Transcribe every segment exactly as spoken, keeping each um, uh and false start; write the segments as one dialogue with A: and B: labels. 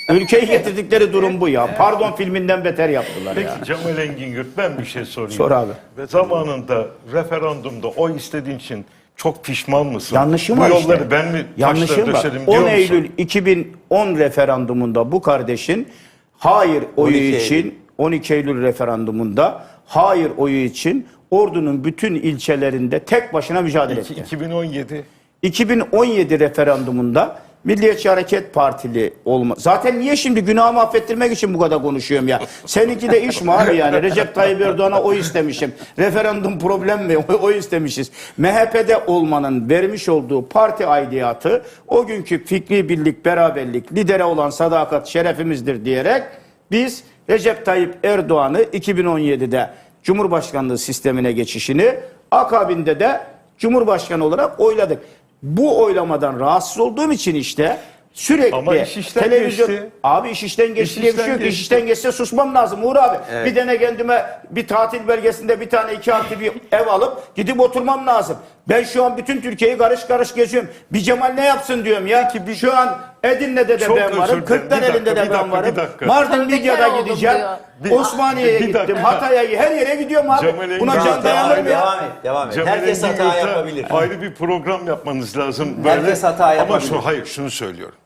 A: Ülkeyi getirdikleri durum bu ya. Pardon filminden beter yaptılar ya.
B: Peki Cemal Engin, ben bir şey sorayım.
A: Sor abi.
B: Ve zamanında referandumda oy istediğin için çok pişman mısın?
A: Yanlışım
B: Bu
A: var
B: yolları
A: işte.
B: ben mi
A: Yanlışım
B: taşla
A: var.
B: döşedim diyor
A: on
B: musun?
A: Eylül iki bin on referandumunda bu kardeşin hayır oyu
C: on iki
A: için
C: Eylül.
A: on iki Eylül referandumunda hayır oyu için Ordu'nun bütün ilçelerinde tek başına mücadele
B: İki-
A: etti.
B: iki bin on yedi.
A: iki bin on yedi referandumunda Milliyetçi Hareket Partili olma. Zaten niye şimdi günahımı affettirmek için bu kadar konuşuyorum ya? Seninki de iş mi abi yani? Recep Tayyip Erdoğan'a oy istemişim. Referandum problem mi? Oy, oy istemişiz. M H P'de olmanın vermiş olduğu parti aidiyatı o günkü fikri birlik, beraberlik, lidere olan sadakat şerefimizdir diyerek biz Recep Tayyip Erdoğan'ı iki bin on yedide Cumhurbaşkanlığı sistemine geçişini akabinde de Cumhurbaşkanı olarak oyladık. Bu oylamadan rahatsız olduğum için işte sürekli
B: Ama iş işten
A: televizyon...
B: geçti.
A: Abi iş işten geçti
B: İş
A: diye bir
B: işten
A: şey yok. İş
B: geçti.
A: işten geçse susmam lazım Uğur abi.
C: Evet.
A: Bir tane kendime bir tatil belgesinde bir tane iki artı bir ev alıp gidip oturmam lazım. Ben şu an bütün Türkiye'yi karış karış geziyorum. Bir Cemal ne yapsın diyorum ya.
B: Peki bir-
A: Şu an Edirne'de de
B: Çok
A: ben
B: özür
A: varım.
B: dilerim.
A: Kırklareli'nde
B: Bir
A: de
B: dakika,
A: ben
B: bir
A: varım.
B: dakika, bir dakika.
A: Mardin
D: Tövbekar
A: Midyat'a
D: oldum
A: gideceğim.
D: diyor.
B: Bir-
A: Osmaniye'ye
B: bir
A: gittim.
B: dakika.
A: Hatay'a her yere gidiyorum abi.
B: Cemal Engin-
A: Buna can
B: Tamam,
A: dayanır mı ya?
C: Devam et, devam et.
B: Cemal
C: Herkes
B: Engin
C: hata
B: Yurt'a
C: yapabilir.
B: Ayrı bir program yapmanız lazım.
C: Herkes hata
B: Ama
C: yapabilir.
B: şu, hayır şunu söylüyorum.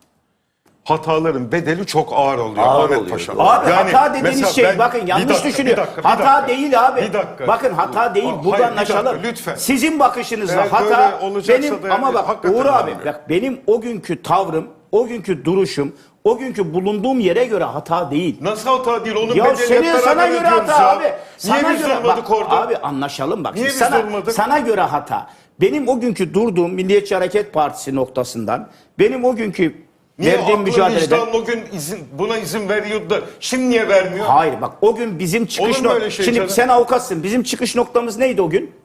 B: Hataların bedeli çok ağır oluyor
C: Ağır
B: Ahmet
C: oluyor.
B: Paşa.
A: Abi
B: Yani
A: hata dediğiniz
B: mesela
A: şey
B: ben-
A: bakın
B: Bir
A: yanlış
B: dakika,
A: düşünüyor.
B: bir dakika, bir
A: hata
B: dakika.
A: değil abi.
B: Bir dakika.
A: Bakın hata değil.
B: Hayır,
A: Burada
B: bir dakika,
A: anlaşalım.
B: lütfen.
A: Sizin bakışınızla
B: Eğer
A: hata
B: böyle olacaksa
A: benim
B: da yani
A: ama bak
B: hakikaten
A: Uğur abi
B: önemli.
A: bak benim o günkü tavrım, o günkü duruşum, o günkü bulunduğum yere göre hata değil.
B: Nasıl hata değil? Onun
A: Ya
B: bedelini
A: senin
B: hep
A: sana
B: beraber
A: göre
B: ödüyoruz
A: hata
B: ya.
A: abi. Sana
B: Niye biz
A: göre
B: durmadık
A: bak,
B: orada?
A: Abi anlaşalım bak.
B: Niye
A: Şimdi
B: biz
A: sana,
B: durmadık?
A: sana göre hata. Benim o günkü durduğum Milliyetçi Hareket Partisi noktasından benim o günkü
B: Niye
A: verdiğim
B: aklın
A: mücadeleden
B: vicdanın o gün izin, buna izin veriyordu da şimdi niye vermiyor?
A: hayır bak o gün bizim çıkış
B: Olur mu öyle
A: noktamız.
B: şey
A: Şimdi
B: canım?
A: sen avukatsın. Bizim çıkış noktamız neydi o gün?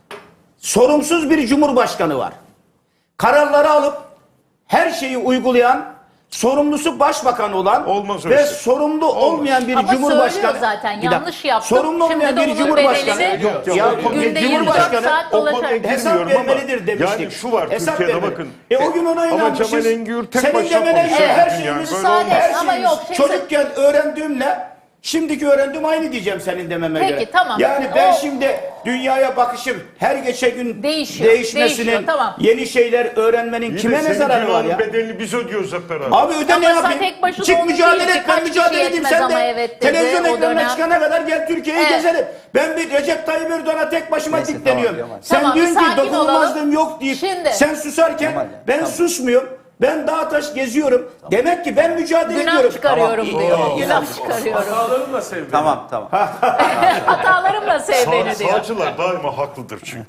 A: Sorumsuz bir cumhurbaşkanı var. Kararları alıp her şeyi uygulayan, sorumlusu başbakan olan
B: Olmaz öyle
A: ve
B: şey.
A: sorumlu
B: Olmaz.
A: olmayan bir
D: Ama
A: cumhurbaşkanı.
D: söylüyor zaten,
A: Bir dakika.
D: yanlış yaptım.
A: Sorumlu
D: Şimdi
A: olmayan
D: de
A: bir
D: onun
A: cumhurbaşkanı.
D: bedelini
B: Yok, yok,
A: ya
B: o konuda
D: günde yirmi dört
A: cumhurbaşkanı
D: saat
B: o konuya
D: dolaşır.
A: hesap
B: girmiyorum ama
A: vermelidir demiştik.
B: yani şu var
A: Hesap
B: Türkiye'de
A: vermeli.
B: bakın.
A: E o gün ona
B: Ama
A: inanmışız.
B: Cemal Engin tek
A: Senin
B: başına
A: demene göre
B: konuşuyor
A: her
B: bugün
A: şeyimiz,
B: yani.
D: Müsaade,
A: her
D: ama
A: şeyimiz
D: yok, şey-
A: çocukken öğrendiğimle şimdiki öğrendiğim aynı diyeceğim senin dememe
D: Peki,
A: göre.
D: tamam.
A: Yani ben
D: O-
A: şimdi dünyaya bakışım her geçen gün
D: Değişiyor,
A: değişmesinin,
D: değişiyor, tamam.
A: yeni şeyler öğrenmenin
B: İyi de
A: kime ne
B: senin
A: zararı var
B: günahın
A: ya?
B: bedelini biz ödüyoruz hep beraber.
A: Abi öde
D: Ama
A: ne
D: sen
A: yapayım?
D: tek başına
A: Çık
D: onu
A: mücadele
D: değil
A: et,
D: ki.
A: ben
D: Kaç
A: mücadele
D: kişi
A: edeyim
D: yetmez
A: sen
D: ama
A: de.
D: evet dedi
A: Televizyon
D: o
A: ekranına
D: dönem.
A: çıkana kadar gel Türkiye'yi
D: Evet.
A: gezelim. Ben bir Recep Tayyip Erdoğan'a tek başıma
C: Neyse,
A: dikleniyorum.
C: tamam, Kemal.
A: Sen
D: Tamam,
A: diyorsun
D: bir
A: ki
D: sakin
A: dokunulmazlığım
D: olalım.
A: yok deyip
D: Şimdi.
A: sen susarken
C: Kemal,
A: ben
C: tamam.
A: susmuyorum. Ben dağ taş geziyorum. Demek ki ben mücadele
D: Günah
A: ediyorum.
D: çıkarıyorum
A: Tamam.
D: diyor.
A: Oo.
D: Günah çıkarıyorum.
E: Hatalarımla sev beni.
C: Tamam tamam.
D: Hatalarımla sev
B: Sağ,
D: beni diyor.
B: sağcılar daima haklıdır çünkü.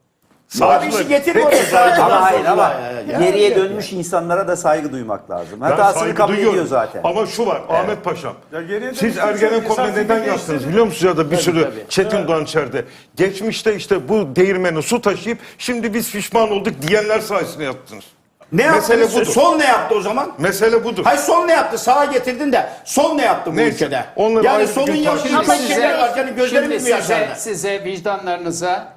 A: Abi işi getir oraya.
C: Ama hayır ama
A: Ya, ya,
C: geriye
A: ya.
C: dönmüş insanlara da saygı duymak lazım.
B: Ben
C: Hatasını
B: saygı
C: kabul
B: duyuyorum.
C: ediyor zaten.
B: Ama şu var Ahmet Paşam.
E: Ya geriye
B: Siz
E: dönüşü
B: Ergenekon'da
E: çok-
B: neden
E: esas
B: yaptınız
E: fikir
B: biliyor musunuz ya da bir sürü
A: tabii.
B: Çetin Doğan içeride. Geçmişte işte bu değirmeni su taşıyıp şimdi biz pişman olduk diyenler sayesinde yaptınız.
A: Ne
B: Mesele
A: yaptı?
B: budur.
A: Sol ne yaptı o zaman?
B: Mesele budur.
A: Hayır sol ne yaptı? Sağa getirdin de sol ne yaptı bu
B: Neyse,
A: ülkede?
B: onları ayrı
A: Yani
B: bir
A: solun
B: gün
A: yaşını
B: tartışırız.
D: Ama
A: bir
D: şimdi-
A: şeyler var. Yani gözlerimiz
F: Şimdi
A: mi
F: size,
A: yaşardı?
F: size vicdanlarınıza